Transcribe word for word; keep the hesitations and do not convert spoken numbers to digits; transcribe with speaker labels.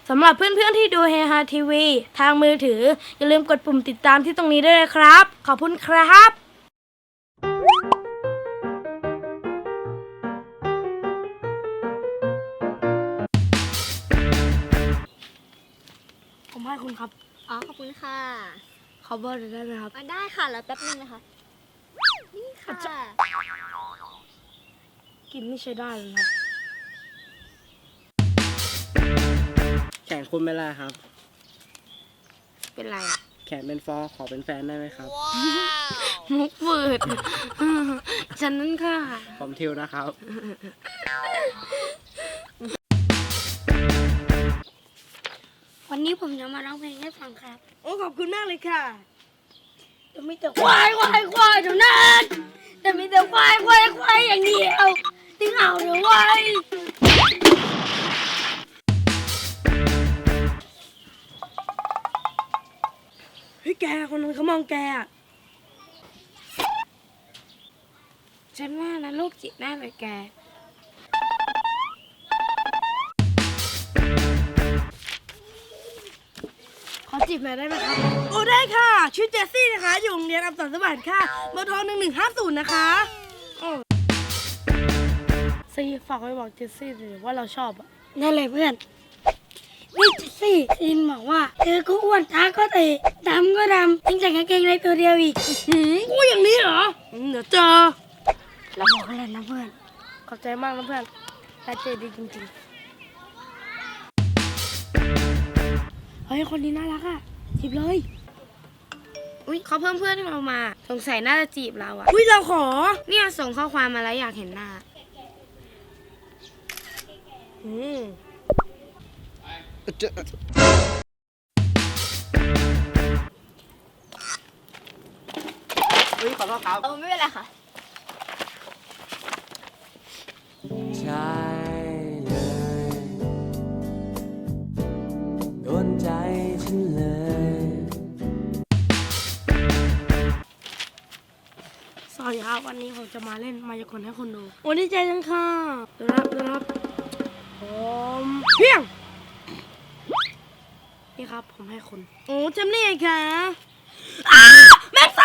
Speaker 1: สำหรับเพื่อนๆที่ดูเฮฮาทีวีทางมือถืออย่าลืมกดปุ่มติดตามที่ตรงนี้ด้วยนะครับ ขอบคุณครับผมให้คุณครับ
Speaker 2: อ๋อขอบคุณค่ะ
Speaker 1: ขอเบอร์ได้ไหมครับ
Speaker 2: มาได้ค่ะแล้วแป๊บนึงนะคะนี่ค่ะ
Speaker 1: กินไม่ใช่ได้เลยครับ
Speaker 3: แขนคุณเป็นไรครับ
Speaker 1: เป็นไรอ่ะ
Speaker 3: แขนเป็นฟอขอเป็นแฟนได้ไหมครับ
Speaker 1: มุกเปิด ฉันนั่นค่ะ
Speaker 3: ผมทิวนะครับ
Speaker 1: วันนี้ผมจะมาร้องเพลงให้ฟังครับ โอ้ขอบคุณมากเลยค่ะจะมีแต่ควายควายควายเท่านั้นจะมีแต่ควายควายควายอย่างเดียวติ้งเอาเดี๋ยวไว้เฮ้ยแกคนนั้นเขามองแกอ่ะฉันว่านะโรคจิตแน่เลยแกขอจีบหน่อยได้ไหมครับโอ้ได้ค่ะชื่อเจสซี่นะคะอยู่โรงเรียนอัมสันสวัสดิ์ค่ะเบอร์โทรหนึ่งหนึ่งห้าศูนย์นะคะซีฝากไว้บอกเจสซี่เลยว่าเราชอบอ่ะนั่นเลยเพื่อนนี่เจสซี่ซินบอกว่าเธอก็อ้วนตาก็เตะดำก็ดำยังใส่กางเกงในตัวเดียวอีกหืมกูอย่างนี้เหรอเดี๋ยวเจอเราบอกกันเลยนะเพื่อนขอบใจมากนะเพื่อนนายเจดีจริงๆเฮ้ยคนนี้น่ารักอ่ะจีบเลยอุ้ยเขาเพิ่มเพื่อนให้เรามาสงสัยน่าจะจีบเราอ่ะอุ้ยเราขอเนี่ยส่งข้อความมาแล้วอยากเห็นหน้าอืม
Speaker 3: เฮ้ยขอโทษครับ
Speaker 2: เออไม่เป็นไรค่ะ
Speaker 4: ใช่เลยโดนใจฉันเลย
Speaker 1: สวัสดีครับวันนี้ผมจะมาเล่นมายากลให้คนดูโอ้ดีใจจังค่ะดูนะครับดูนะครับผมเพียงนี่ครับผมให้คุณโอ้จำได้ไงคะอ้าแม็กซ์